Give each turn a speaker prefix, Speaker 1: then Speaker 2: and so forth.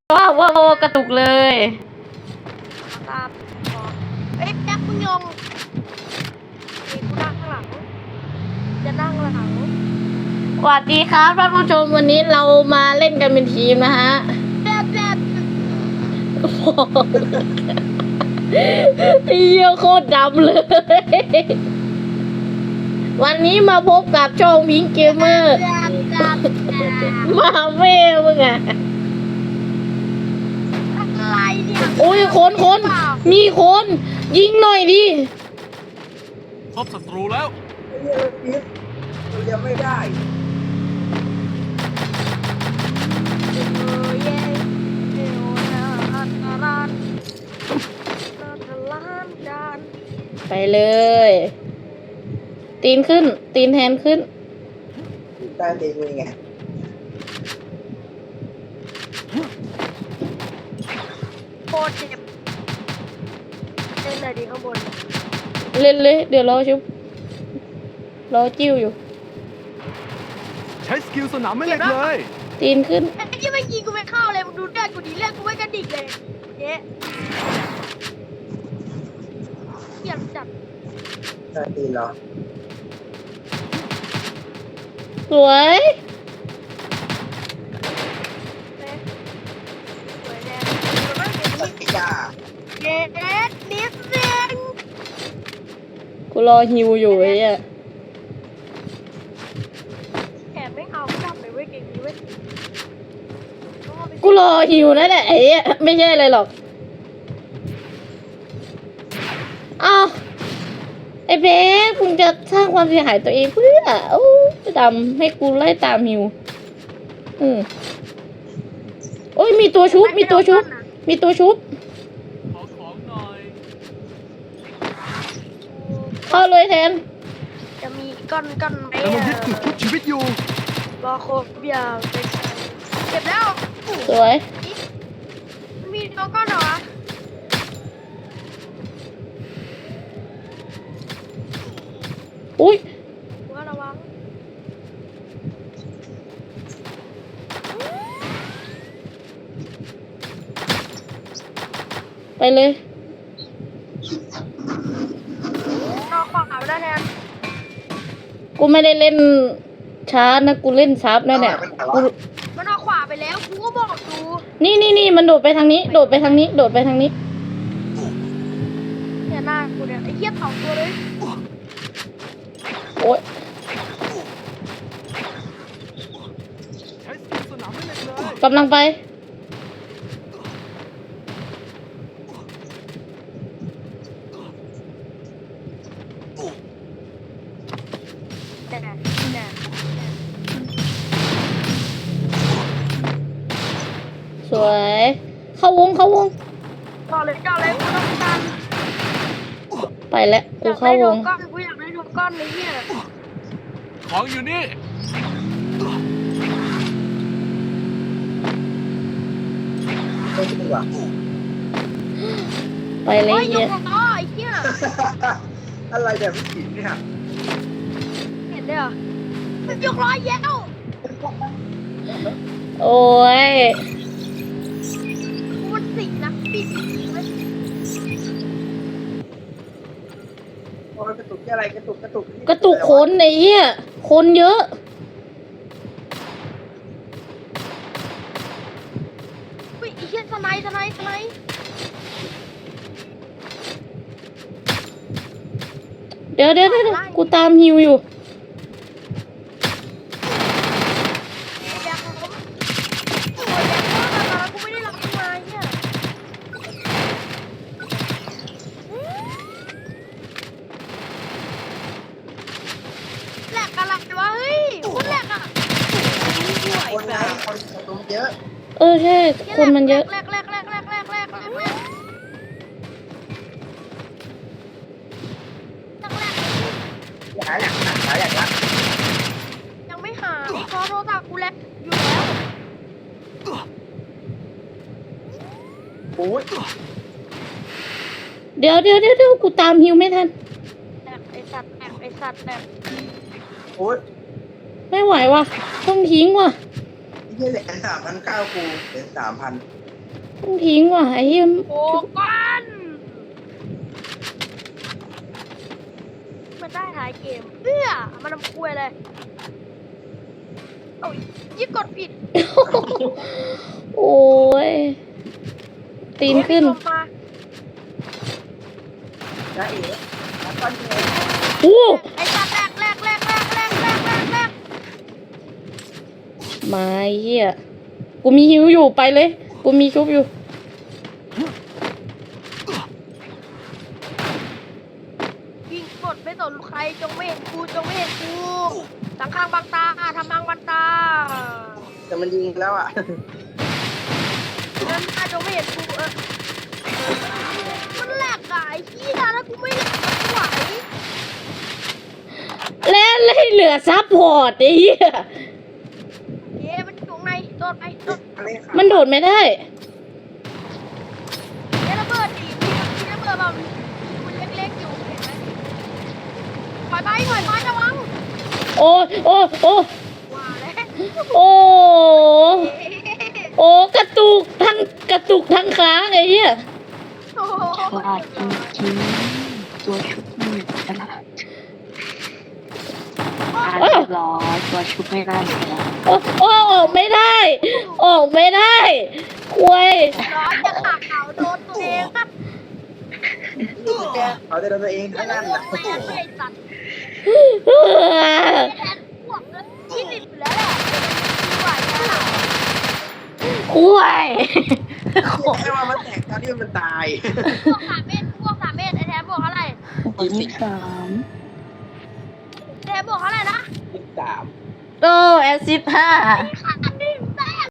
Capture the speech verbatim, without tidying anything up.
Speaker 1: ว้าวว้าวกระตุกเลย
Speaker 2: ตามเอ๊ะแจ็คมึงยงนี่กูนั่งข้างหลังจะนั่งหลัง
Speaker 1: สวัสดีครับท่านผู้ชมวันนี้เรามาเล่นกันเป็นทีมนะฮะ
Speaker 2: แบบแบบ
Speaker 1: เยี่ยโคตรดำเลยวันนี้มาพบกับช่องพิงเกมเมอร์มาเว่มึงอะ
Speaker 2: อะไรเนี่ย
Speaker 1: โอ้ยคนคนมีคนยิงหน่อยดิ
Speaker 3: พบศัตรูแล้ว
Speaker 4: เรียกพิษมันยังไม่ได้
Speaker 1: ไปเลยตีนขึ้นตีนแทนขึ้น
Speaker 4: ใต้ตีนเป็นไง
Speaker 2: โคตรเจ็บเล่นเลยดีข้างบน
Speaker 1: เล่นเลยเดี๋ยวรอชุบรอจิ้วอยู่
Speaker 3: ใช้สกิลสนามไม่เล็กเลย
Speaker 1: ตีนขึ้น
Speaker 2: ไอ้ที่ไม่ยิงกูไม่เข้าเลยมึงดูเลือดกูดีเลือดกูไม่กระดิกเลยเจ๊เกี่ยมจัด
Speaker 4: ใต้ตีนเหรอ
Speaker 1: สวย
Speaker 2: สวยแน่
Speaker 4: ตัดยา
Speaker 2: เด็ดนิดนึง
Speaker 1: กูรอฮิวอยู่ไอ้เนี่ย
Speaker 2: แอบไม่เอาจับเลยเว้ยเก่งนี้เว้ย
Speaker 1: กูรอฮิวนั่นแหละไอ้เนี่ยไม่ใช่อะไรหรอกอ้าวไอ้เบ๊มึงจะสร้างความเสียหายตัวเองเพื่อโอ้ดำให้กูไล่ตามฮิวอืมโอ้ยมีตัวชุบมีตัวชุบมีตัวชุบ
Speaker 3: ขอของหน่อย
Speaker 1: เข้าเลยแทน
Speaker 2: จะมีก้อนก้อนไหม
Speaker 3: กำลังยึดจุดทุกชีวิตอยู่
Speaker 2: รอโคบยาวเก็บแล้ว
Speaker 1: สวย
Speaker 2: มีตัวก้อนเหรอ
Speaker 1: อุ้ย
Speaker 2: ว่าระวัง
Speaker 1: ไปเลย
Speaker 2: นอกขวาไม่ได้แทน
Speaker 1: กูไม่ได้เล่นช้านะกูเล่นซับนั่นแหละกู
Speaker 2: มันออกขวาไปแล้วกูก็บอกดู
Speaker 1: นี่นี่นี่มันโดดไปทางนี้โดดไปทางนี้โดดไปทางนี้
Speaker 2: เนี่ยหน้ากูเนี่ยไอ้เหี้ยสองตัวเลย
Speaker 1: โอ๊ย
Speaker 3: ใช้สกิลสนามไม่เล็กเลย
Speaker 1: กำลังไปสวยเข้าวงเข้าวง
Speaker 2: ต่อเลยต่อเลยกูต้องการ
Speaker 1: ไปแล้วกูเข้าวง
Speaker 2: ก้อนกูอยากได้ทุกก้อนเลยเนี่ย
Speaker 3: ของอยู่นี่
Speaker 4: ไม่ดีกว่า
Speaker 1: ไปเลย
Speaker 2: เหี้ยอ๋อไอ้เหี้ย
Speaker 4: อะไรแบบไม่ผิดเนี่ย
Speaker 2: เห็นได้เหรอมันยกร้อยแย้ว
Speaker 1: โอ้ย
Speaker 2: มันสิงนะปีสิงไหม
Speaker 4: โอ้ยกระตุกอะไรกระตุกกระตุก
Speaker 1: กระตุกคนไอ้เหี้ยคนเยอะ
Speaker 2: อุ้ยไอ้เหี้ยสไนสไนสไน
Speaker 1: เดี๋ยวเดี๋ยวเดี๋ยวกูตามฮิวอยู่
Speaker 4: คนนะคนตรงเยอะ
Speaker 1: เออใช่คนมันเยอะ
Speaker 2: แรกแรกแรกแรกแรกแรกแรกแรก
Speaker 4: หาอย่างหาอย่างละ
Speaker 2: ยังไม่หาเพราะโทรศัพท์กูแลกอยู่แล้ว
Speaker 4: โอ้ย
Speaker 1: เดี๋ยวเดี๋ยวเดี๋ยวเดี๋ยวกูตามฮิวไม่ทัน
Speaker 2: แอบไอสัตว์แอบไอสัตว์แบบ
Speaker 4: โอ้ย
Speaker 1: ไม่ไหวว่ะต้องทิ้งว่ะ
Speaker 4: ที่เหลือสามพันเก้ากูเหลือสามพัน
Speaker 1: ต้องทิ้งว่ะไอ้เหี้ย
Speaker 2: โอ้ก้อนมันได้ท้ายเกมเอื้อมันทำคุยเลยโอ้ยยี่กดผิด
Speaker 1: โอ้ยตีนขึ้น
Speaker 2: ลงมา
Speaker 4: จ้าเอ๋แล้วก็เนี่ย
Speaker 1: โอ้
Speaker 2: ไอ้สัตว์แรกแรกแรกแรกแรกแรกแรกแรก
Speaker 1: มาไอ้เหี้ยกูมีหิวอยู่ไปเลย กูมีชุบอยู่
Speaker 2: ยิงกดไม่สนใครจงไม่เห็นกูจงไม่เห็นกูสังข้างบางตาทำบางบันตา
Speaker 4: แต่มันยิงแล้วอ่ะ
Speaker 2: นั่นน่าจงไม่เห็นกูเออมันแหลกอะไอ้ขี้ยถ้ากูไม่แหลกมันไหว
Speaker 1: แล้วเลยเหลือซับพอร์ตไอ้เหี้ย
Speaker 2: เย้มันอยู่ข้างในโดดไปโดด
Speaker 4: อะไรค่ะ
Speaker 1: มันโดดไม่ได้
Speaker 2: เย้ระเบิดดิมีระเบิดแบบมันเล็กๆอยู่เห็นไหมถอยไปถอยไประวัง
Speaker 1: โอ้โอ้โอ้
Speaker 2: ว่าแล้ว
Speaker 1: โอ้โอ้กระตุกทั้งกระตุกทั้งค้างไอ้เหี้ย
Speaker 2: โอ้โห
Speaker 5: ว่าจริงๆตัวชุบนี่ขนาดอ่าเรียบร้อยตัวชุบไม่ได้อยู่แล้ว
Speaker 1: โอ้โอ้ออกไม่ได้ ออกไม่ได้ควย
Speaker 2: ร้อนจะขาเขาโดนตัวเองครับ
Speaker 4: แกเขาจะโดนตัวเองทั้งนั้น
Speaker 2: พว
Speaker 4: นะ
Speaker 2: กแม่ไอ้สัตว์
Speaker 1: เออ
Speaker 2: แทนพวกนั้นยี่สิบอยู่แล้วแหละไหวแล้ว
Speaker 1: ควย
Speaker 4: แค่ว่ามันแตกตอนที่มันตาย
Speaker 2: พวกสามเมตรพวกสามเมตรไอ้แทนบวกเท่าไหร่
Speaker 5: ผมมีสาม
Speaker 2: แทนบวกเท่าไหร่นะ
Speaker 4: ยี่สิบสาม
Speaker 1: โตแอซิดห้า
Speaker 2: ขาด